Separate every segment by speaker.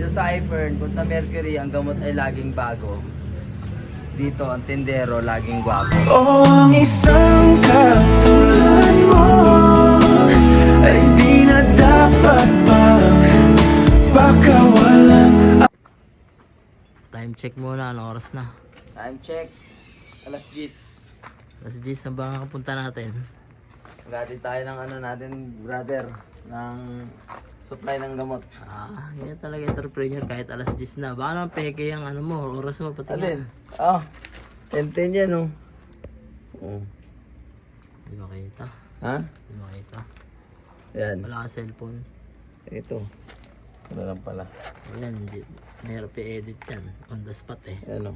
Speaker 1: Dito sa iFern, kung sa Mercury ang gamot ay laging bago, dito ang tindero laging gwapo.
Speaker 2: Oh, ang isang katulad mo ay di na dapat pa pakawalan.
Speaker 3: Time check muna, anong oras na?
Speaker 1: Time check, alas 10.
Speaker 3: Alas 10 na ba kapunta natin?
Speaker 1: Maghatid tayo ng ano natin, brother, ng supply ng gamot.
Speaker 3: Yan talaga entrepreneur kahit alas 10 na. Baka naman peke yung ano mo, oras mo pati.
Speaker 1: Alin? Oh, 10-10 yan oh. Oh.
Speaker 3: Di makita.
Speaker 1: Ha?
Speaker 3: Di makita.
Speaker 1: Yan.
Speaker 3: Wala ka cellphone.
Speaker 1: Ito. Ano lang pala.
Speaker 3: Ayan, hindi. Mahirap i-edit yan. On the spot eh.
Speaker 1: Ano?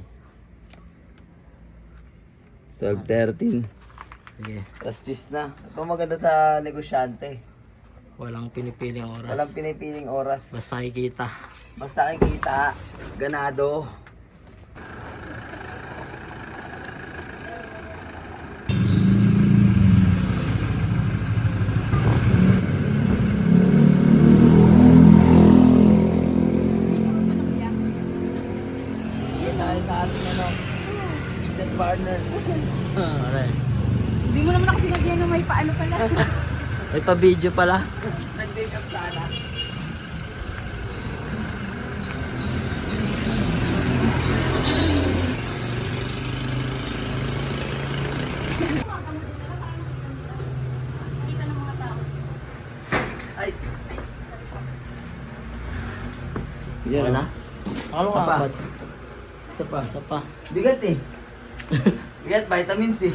Speaker 1: 12-13.
Speaker 3: Sige.
Speaker 1: Alas 10 na. Ito maganda sa negosyante.
Speaker 3: Walang pinipiling oras.
Speaker 1: Walang pinipiling oras.
Speaker 3: Basta kikita.
Speaker 1: Basta kikita. Ganado. Tayo sa ating ano, business partner.
Speaker 3: Ano eh.
Speaker 4: Hindi mo naman ako sinagyan na may paano pala.
Speaker 3: May pa-video pala.
Speaker 1: Nag-make up sana.
Speaker 4: Kita ng mga tao.
Speaker 1: Ay!
Speaker 3: Yan na. Akala ko
Speaker 1: Isa pa.
Speaker 3: apat.
Speaker 1: Isa pa.
Speaker 3: Isa pa.
Speaker 1: Bigat eh. Bigat, vitamin C.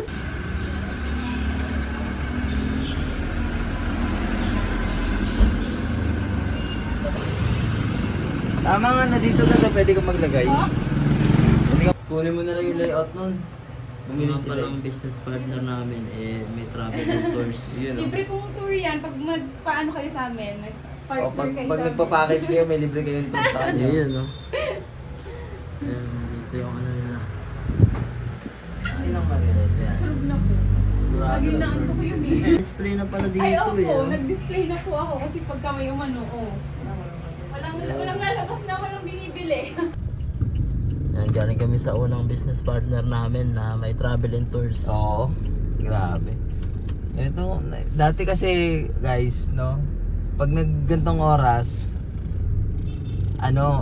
Speaker 1: Tama nga na dito na pwede ka maglagay. Pwede ka, kunin mo na lang yung layout nun. Bumili
Speaker 3: Mga
Speaker 1: sila.
Speaker 3: palang business partner namin eh may travel and tours.
Speaker 1: Yun o.
Speaker 4: Libre pong tour yan pag magpaano kayo sa amin.
Speaker 1: O,
Speaker 4: Nag-partner
Speaker 1: pag,
Speaker 4: kayo
Speaker 1: pag
Speaker 4: sa
Speaker 1: nagpa-package kayo, may libre kayo nito sa kanya.
Speaker 3: Yun no. Yan, dito yung ano nila.
Speaker 1: Sinong marinig yan?
Speaker 4: Tulog na po. Lagi na ano ko yun eh.
Speaker 3: Display na pala dito
Speaker 4: Ay,
Speaker 3: eh.
Speaker 4: opo.
Speaker 3: oh.
Speaker 4: Nag-display na po ako kasi pagka may umano, oh. Walang lalabas na, walang binibili.
Speaker 3: Yan, galing kami sa unang business partner namin na may travel and tours.
Speaker 1: Oo. Grabe. Ito, dati kasi guys, no? Pag naggantong oras, ano,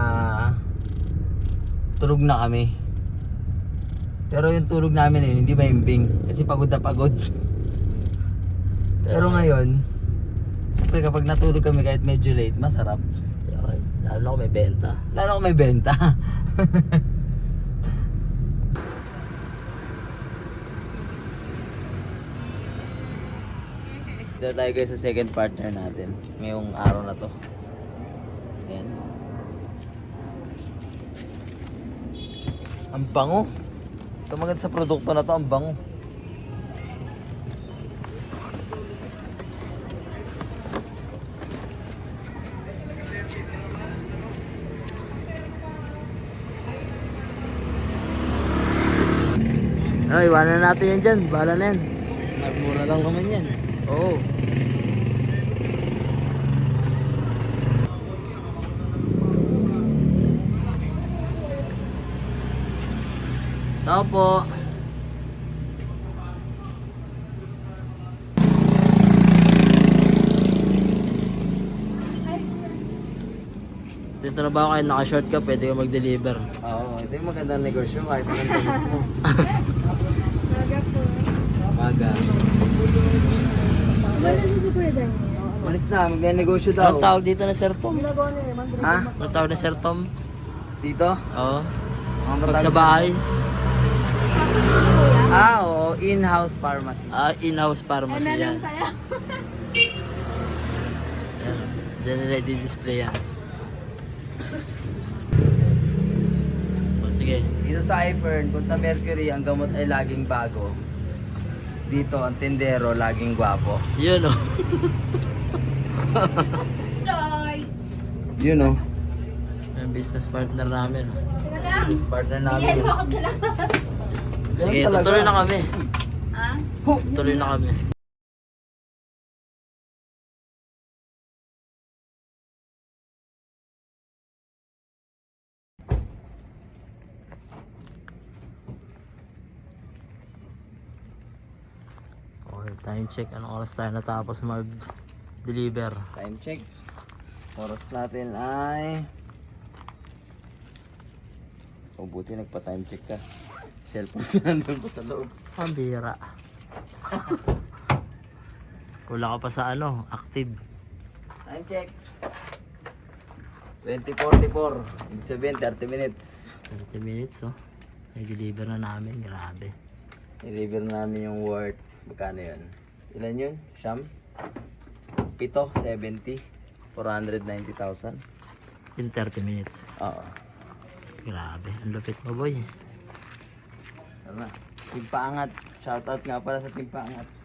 Speaker 1: tulog na kami. Pero yung tulog namin yun, hindi maimbing. Kasi pagod na pagod. Pero ngayon, syempre kapag natulog kami kahit medyo late, masarap.
Speaker 3: Yan, lalo na kung may benta.
Speaker 1: Lalo kung may benta. Dito tayo guys sa second partner natin ngayong araw na to. Ayan. Ang bango. Ito maganda sa produkto na to, ang bango.
Speaker 3: Ay, iwanan natin yan dyan. Bahala na yan.
Speaker 1: Mura lang naman yan.
Speaker 3: Oo. Tao po. Dito na ba kayo naka-short ka, pwede ka mag-deliver.
Speaker 1: Oo, ito yung magandang negosyo kahit anong gamit mo.
Speaker 4: Talaga po.
Speaker 1: Maga.
Speaker 4: Wala na si Kuya Daniel.
Speaker 1: Malis na, magne-negosyo daw.
Speaker 3: Anong tawag dito na Sir Tom?
Speaker 1: Ha?
Speaker 3: Anong tawag na Sir Tom?
Speaker 1: Dito?
Speaker 3: Oo.
Speaker 1: Mga
Speaker 3: Pag sa
Speaker 1: matapos-
Speaker 3: bahay,
Speaker 1: Oo, in-house pharmacy.
Speaker 3: in-house pharmacy
Speaker 4: Ano
Speaker 3: yan.
Speaker 4: lang tayo?
Speaker 3: Yan. Diyan nila i-display yan. O, sige.
Speaker 1: Dito sa iFern, kung sa Mercury ang gamot ay laging bago, dito ang tindero laging gwapo.
Speaker 3: Yun o.
Speaker 4: Joy!
Speaker 1: Yun o.
Speaker 3: Yung business partner namin.
Speaker 4: Teka lang.
Speaker 1: Business partner namin.
Speaker 4: Yan
Speaker 1: yun.
Speaker 4: mo ako dala.
Speaker 3: Sige,
Speaker 1: Ganun talaga.
Speaker 3: tutuloy na kami.
Speaker 4: Ha?
Speaker 3: Tuloy na kami. Time check. Anong oras tayo natapos mag-deliver?
Speaker 1: Time check. Oras natin ay... Oh, buti nagpa-time check ka. Cellphone ko nandun pa sa loob.
Speaker 3: Ang bira. Wala ka pa sa ano, active.
Speaker 1: Time check. 20:44. Ibig sabihin, 30 minutes.
Speaker 3: 30 minutes oh. Nag-deliver na namin, grabe.
Speaker 1: I-deliver namin yung worth. Magkano yun? Ilan yun? Siyam? 7, 70. 490,000.
Speaker 3: In 30 minutes.
Speaker 1: Oo.
Speaker 3: Grabe, ang lupit mo boy.
Speaker 1: Tama. Team Paangat. Shoutout nga pala sa Team Paangat.